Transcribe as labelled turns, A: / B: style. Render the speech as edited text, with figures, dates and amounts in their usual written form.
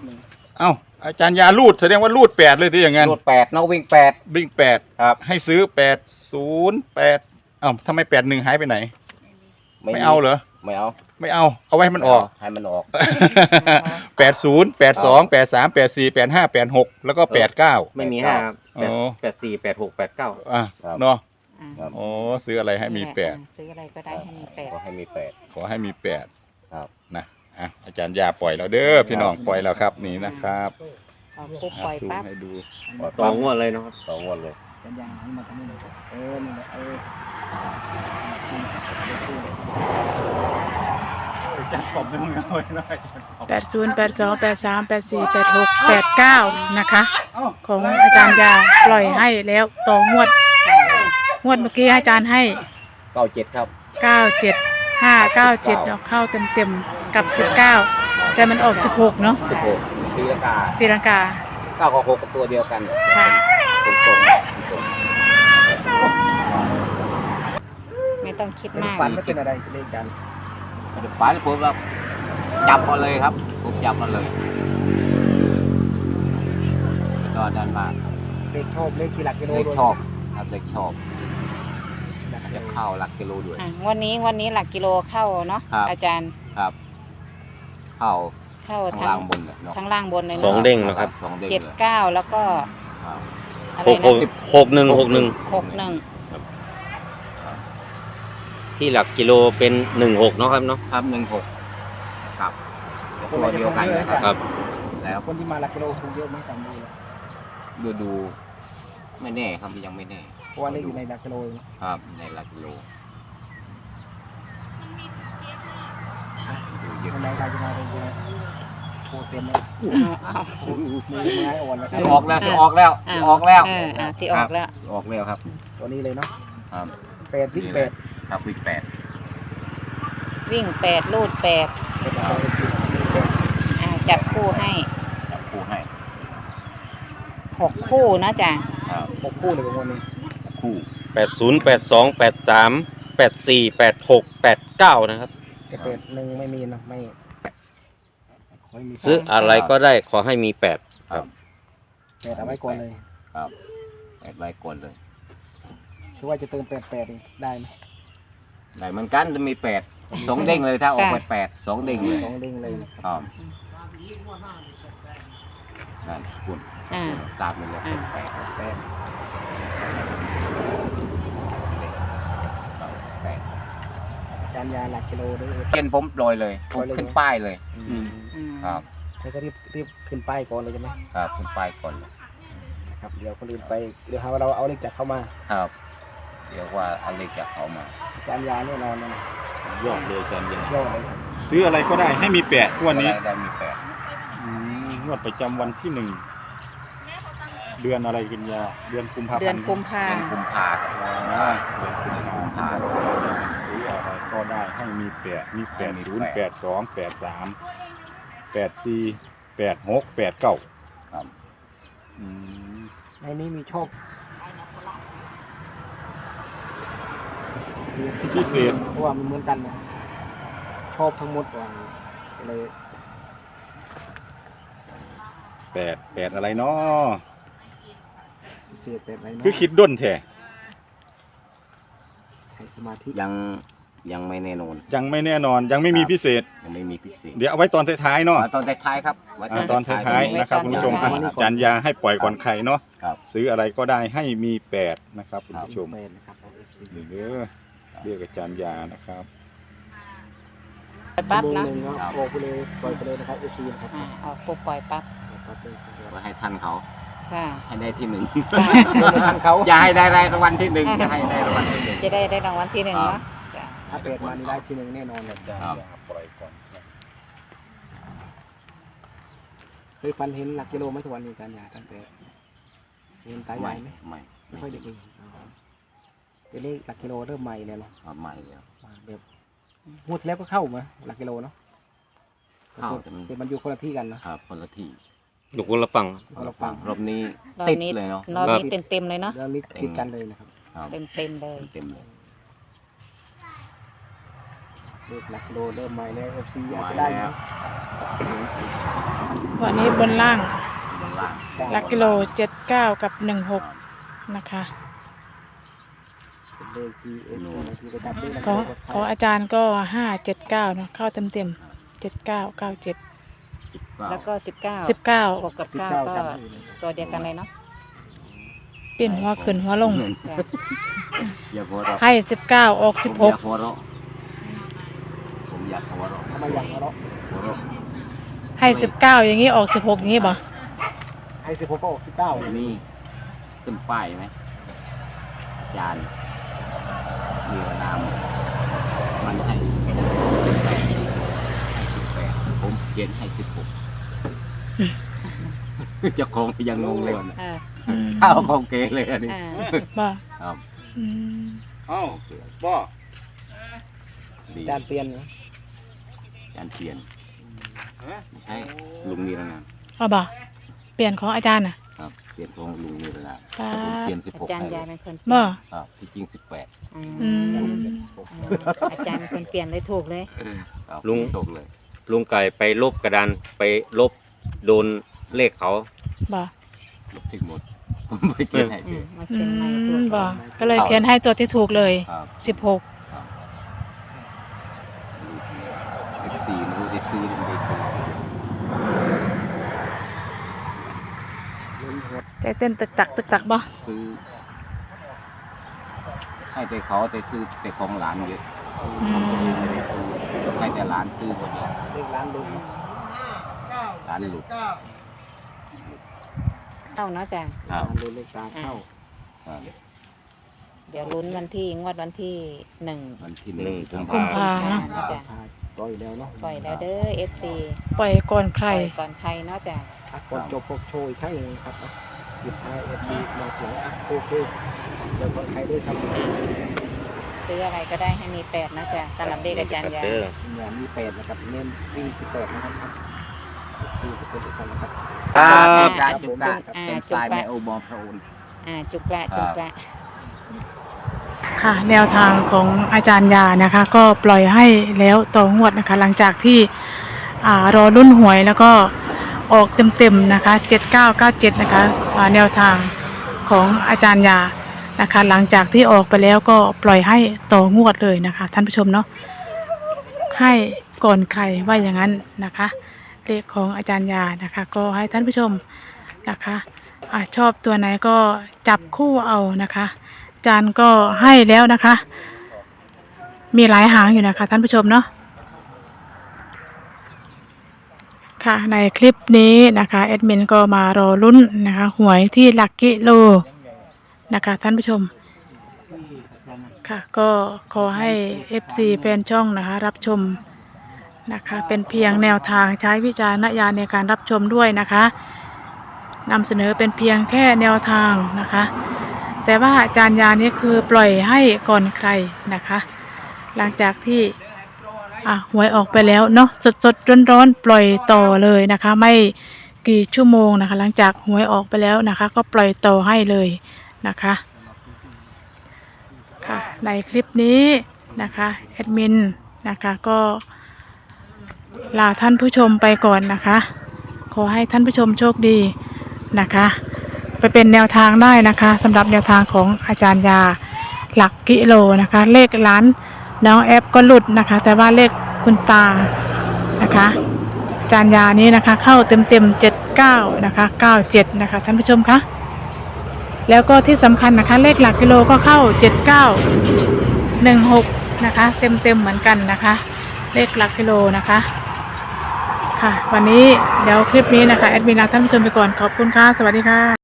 A: เอ้าอาจารย์ยาลูดแสดงว่าลูด8เลยที่อย่างงั้น
B: รูด8นกวิ่ง8
A: วิ่ง8
B: ครับ
A: ให้ซื้อ808เอ้าทำไม81หายไปไหนไม่เอาเหรอ
B: ไม่เอา
A: ไม่เอาไว้ให้มันออก
B: ให้มันออก
A: 80 82 83 84 85 86แล้วก็89
C: ไม่มี5ครับ84 86 89
A: อ่ะเนาะ
D: อ่า
A: โอ้ซื้ออะไรให้มี8
D: ซื้ออะไรก็ได้ให้มี8
B: ขอให้มี8
A: ขอให้มี8
B: ครับ
A: นะอ่ะอาจารย์ยาปล่อยแล้วเด้อพี่น้องปล่อยแล้วครับนี่นะครับ
D: เอาปุ๊บปล่อย
A: ซูม
D: ปั๊บ
A: ให้ดู
C: ต่องวดเลยเนาะ
B: 2 งวดเลย
E: เป็นอย่างนั้นมาทำนี่เลยนี่แหละ
A: จัดปอบให้มึงเอาไว้หน่อย
F: 80 82 83 84 86 89นะคะของอาจารย์ยาปล่อยให้แล้วต่องวดเมื่อกี้อาจารย์ให้
B: 97ครับ
F: 97 597เนาะเข้าเต็มๆกับ19แต่มันออก16เนาะ
B: 16ตีลังกา
F: ตีลังกา
B: 9กับ6กับตัวเดียวกัน
F: ค่ะ
B: ตรง
D: ไม่ต้องคิดมาก
E: ฝันไม่เป็นอะไรเล่นกัน
B: ๆฝันผมแบบจับมาเลยครับผมจับมาเลยตอนนั้นมา
E: เลขชอบเลขกี่หลักกิโล
B: เล็ก
E: ด้วย
B: ชอบครับเล็กชอบจะเข้าหลักกิโลด้วย
D: วันนี้หลักกิโลเข้าเนาะ
B: ครับ
D: อาจารย์
B: ครับ เข้า
D: เข้า
B: ข้างล่างบนเลยเนาะ
D: ทั้งล่างบนเลย
C: สอง
D: เนาะ
C: เด้งนะครับ
B: สองเด้ง
D: เจ็ด
B: เลย
D: เก้าแล้วก็
B: ครับ
D: อะไร
C: 6
D: นะ
C: 6 61
D: 61
C: ที่หลักกิโลเป็น16เนาะครับเนาะ
B: ครับ16ครับตัวเดียวกันนะครับ
C: ครับ
B: แล้ว
E: คนที่มาหลักกิโลถูกเยอะไหมจำดูเลย
B: ดูไม่แน่ครับยังไม่แน่
E: เพราะว่าเลขอยู่ในหลักกิโล
B: ครับในหลักกิโลดูเยอะ
E: วันไหนใครจะมาเลยโทรเต็มเลย
D: เอา
E: มือไม้อ่อนแล้ว
B: สิออกแล้วสิออกแล้วสิออกแล้ว
D: ที่ออกแล้ว
B: สิออกแล้วครับ
E: ตัวนี้เลยเนาะ
B: ครับ
E: 8วิ่ง8
B: ครับวิ่ง8
D: วิ่ง8ลูด8
E: เป็นอะไรที่8
D: จับคู่ให้
B: จับคู่ให้
D: 6 คู่นะจ๊ะ
B: ครับ
E: 6คู่เลยวันนี้
B: คู่
C: 80 82 83 84 86 89นะครับ
E: แต่1ไม่มีนะไม่มี
C: ซื้ออะไรก็ได้ขอให้มี8ครับ
E: แต่เอาไว้ก่อนเลย
B: ครับแปดไว้ก่อนเลย
E: คือว่าจะเติม88ได้ไหม
B: ได้เหมือนกันจะมี2เด้งเลยถ้าออก8 2เด้งเลย
E: 2เด้งเลย
B: ครับนั่นคุณตามไปเลย8
E: จานยาหลักกิโลด้วย
B: เกณฑ์ผมลอยเลยผมขึ้นป้ายเลยครับ
E: แล้วก็รีบขึ้นป้ายก่อนเลยใช่ไหม
B: ครับขึ้นป้ายก่อนเลย
E: ครับเดี๋ยวคนอื่นไปเดี๋ยวหาว่าเราเอาเลขจากเข้ามา
B: ครับเดี๋ยวว่าเอาเลขจากเขามา
E: จานยาแน่นอนนะ
A: ยอดเลยอาจารย์ยาย
E: อดเลยครับ
A: ซื้ออะไรก็ได้ให้มี8งวดนี้
B: ได้มี
A: งวดประจำวันที่1เดือนอะไรกันยาเดือนกุมภาพันธ์
D: เดือนกุมภา
B: 8เป็นกุมภาครับ
A: เดือนกุมภาพันธ์ซื้ออะไรก็ได้ให้มี8มี80 82 83 84 86 89
B: ครับ
E: ในนี้มีโชค
A: พิเศษ
E: เพราะว่ามันเหมือนกันนะชอบทั้งหมดว่าเลย
A: 8อะไรเนาะ
E: พิเศษแบบไหนเนาะ
A: คือคิดด้นแท้
E: ให้สมาธิ
B: ยังไม่แน่นอน
A: ยังไม่แน่นอนยังไม่มีพิเศษ
B: ยังไม่มีพิเศษ
A: เดี๋ยวเอาไว้ตอนท้ายๆเนาะ
B: ตอนท้ายๆครับไว้
A: ตอนท้ายๆนะครับคุณผู้ชมอ่ะอาจารย์ยาให้ปล่อยก่อนใครเนาะ
B: ครับ
A: ซื้ออะไรก็ได้ให้มี8นะครับคุณผู้ชม
E: เป็นนะครับ FC
A: นี่เด้อเรียกอาจารย์ยานะครับ
D: ปั๊บ
E: ชั่วโม
D: นะ
E: งหนึ่งก็ออกไปเลยปล่อยไปเลยนะครับ FC นะครับ
D: ออกปุ๊บปล่อยปั๊บ
E: ปั๊บเลย
B: ไว้ให้ทันเขา
D: ค่ะ
B: ให้ได้ที่ 1
E: ทางเขา
B: อย่าให้ได้รางวัลที่ 1อย่าให้ได้รางวัลที่ 1
D: จะได้รางวัลที่1เนาะ
E: ถ้าเป็ดมานี่ได้ทีหนึ่งแน่นอนเลย
B: ครับ
A: ปล่อยก่อน
E: เคยฟันเห็นหลักกิโลไหมทุกวันนี้การยาตั้งแต่เห็นตายใหญ่ไหม
B: ไม่
E: ไม่ค่อยได้เห็นเป็นเลขหลักกิโลเริ่มใหม่เลยเนาะ
B: ใหม่แล้ว
E: แบบงวดที่แล้วก็เข้ามาหลักกิโลเนาะ
B: เข้าแต่มัน
E: แต่มันอยู่คนละที่กันเนาะ
B: ครับคนละที่
C: อยู่คนละฝั่ง
E: คนละฝั่ง
B: รอบนี้
D: รอบ
B: ติด
D: นี้
B: เลยเนาะ
D: รอบนี้เต็มเลยเนาะ
E: แล้วนี่ติดกันเลยนะครับ
B: ครับ
D: เต็มเลย
B: เต็มเลย
E: เลขหลักกิโลเริ่มใหม่แล้ว FC อยาก
B: มา
E: จะได้
B: แล้ว
E: นะ
F: 6 วันนี้บนล่าง
B: บนล่าง
F: หลักกิโล79 กับ 16 นะคะ
E: เป็นเลขที่เอ็นโอที่ไปจับเลข
F: ของอาจารย์ก็579เนาะเข้าเต็ม79 97
D: แล้วก็19
F: 19
D: 6กับ
E: 19
D: 9ก็
E: จำได้เลย
D: ตัวเดียวกันเลยเนาะ
F: เปลี่ยนหัวขึ้นหัวลง
B: อย่าหัวเราะ
F: ให้19ออก
B: ผมอยากหัวเราะผมอยากหัวเราะ
E: ทำไมอย่างเราะ
B: หัวเราะ
F: 16ให้19อย่างนี้ออก16อย่างนี้บ่
E: ให้16ก็ออก19
B: มีขึ้นป้ายไหมอาจารย์มีนามมันให้18ผมเขียนให้16เจ้าของยังงงเลยนะ
F: อืม
B: ข้าวของเกเลยอันนี้
F: บ่
B: ครับ
F: อืม
A: เอ้าบ่
B: ดี
E: จานเปลี่ยนนะ
B: การเปลี่ยนให้ลุงนิรนาม
F: เอาบ่เปลี่ยนของอาจารย์น่ะ
B: ครับเปลี่ยนของลุงนิรนาม
F: ป๊า
B: ผมเปลี่ยน
D: อา
B: 16
D: จารย์
B: ให้
D: ยายเป็นคน
F: บ่
B: ครับที่จริง18
D: อืม
F: อืม
D: อาจารย์เป็นคนเปลี่ยนเลยถูกเลย
B: ครับ
C: ลุง
B: ตกเลย
C: ลุงไก่ไปลบกระดานไปลบโดนเลขเขา
F: บ่
B: ลบทิ้งหมดผมไม่เขียนให้
D: อื
B: เฉ
D: ม
B: ย
D: มา
F: อื
D: เขียนใหม่ถู
F: ม
D: ก
F: บ่ก็เลยเขียนให้ตัวที่ถูกเลย
B: ครับ
F: 16
B: ครับ14ไม่รู้ได้ซื้อหรือไม่ได้ซื้อ
F: ใจเต้นตึกตักบ่
B: ซื้อ ให้แต่เขาแต่ซื้อแต่ของหลานเยอะ
F: อืม
B: ไม่ได้ซื้อให้แต่หลานซื้อคนเดียว
E: เลขร้านลุง
B: หลานหลุด
D: เข้าเนาะจ้ะ
B: ครับ
E: ร้านลุงเลขตาเข้า
B: ครับ
D: เดี๋ยวลุ้นวันที่งวดวันที่1
B: วันที่
C: หนึ่ง
B: กุม
F: กุม
B: ภา
F: ภา
D: เนาะ
F: เนาะ
D: จ้ะ
E: ปล่อยแล้วเนาะ
D: ปล่อยแล้วเด้อ FC
F: ปล่อยก่อนใค
D: ป
F: ร
D: ล่อยก่อนใครเนาะจ้ะ
E: ก่อนจบพวกโชว์อีกครั้งหนึ่งครับหยุดท้าย FC มาเสียงโอเคเดี๋ยวคนไทยด้วยครับ
D: ซื้ออะไรก็ได้ให้มี8นะจ้ะสำหรับเลขอาจารย์ยา
C: เด้อ
E: อย่ามี8นะครับเน้นวิ่ง18นะครับFC ทุกคนทุกท่านนะครับ
C: ครับ
B: ได้จุกได้เส้นสายแม่โอบอมพระองค์
D: จุกละจุกละ
F: ค่ะ แนวทางของอาจารย์ยานะคะ ก็ปล่อยให้แล้วต่องวดนะคะ หลังจากที่รอรุ่นหวยแล้วก็ออกเต็มๆนะคะ7997นะคะแนวทางของอาจารย์ยานะคะ หลังจากที่ออกไปแล้วก็ปล่อยให้ต่องวดเลยนะคะ ท่านผู้ชมเนาะให้ก่อนใครว่าอย่างนั้นนะคะเลขของอาจารย์ยานะคะ ก็ให้ท่านผู้ชมนะคะชอบตัวไหนก็จับคู่เอานะคะอาจารย์ก็ให้แล้วนะคะ มีหลายหางอยู่นะคะท่านผู้ชมเนาะค่ะในคลิปนี้นะคะแอดมินก็มารอลุ้นนะคะหวยที่หลักกิโลนะคะท่านผู้ชมค่ะก็ขอให้ FC แฟนช่องนะคะรับชมนะคะเป็นเพียงแนวทางใช้วิจารณญาณในการรับชมด้วยนะคะนำเสนอเป็นเพียงแค่แนวทางนะคะแต่ว่าอาจารย์ยานี้คือปล่อยให้ก่อนใครนะคะหลังจากที่หวยออกไปแล้วเนาะสดๆร้อนๆปล่อยต่อเลยนะคะไม่กี่ชั่วโมงนะคะหลังจากหวยออกไปแล้วนะคะก็ปล่อยต่อให้เลยนะคะค่ะในคลิปนี้นะคะแอดมินนะคะก็ลาท่านผู้ชมไปก่อนนะคะขอให้ท่านผู้ชมโชคดีนะคะไปเป็นแนวทางได้นะคะสำหรับแนวทางของอาจารย์ยาหลักกิโลนะคะเลขล้านน้องแอปก็หลุดนะคะแต่ว่าเลขคุณตานะคะอาจารย์ยานี้นะคะเข้าเต็ม79นะคะ97นะคะท่านผู้ชมคะแล้วก็ที่สำคัญนะคะเลขหลักกิโลก็เข้า7916นะคะเต็มเหมือนกันนะคะเลขหลักกิโลนะคะค่ะวันนี้เดี๋ยวคลิปนี้นะคะแอดมินลาท่านผู้ชมไปก่อนขอบคุณค่ะสวัสดีค่ะ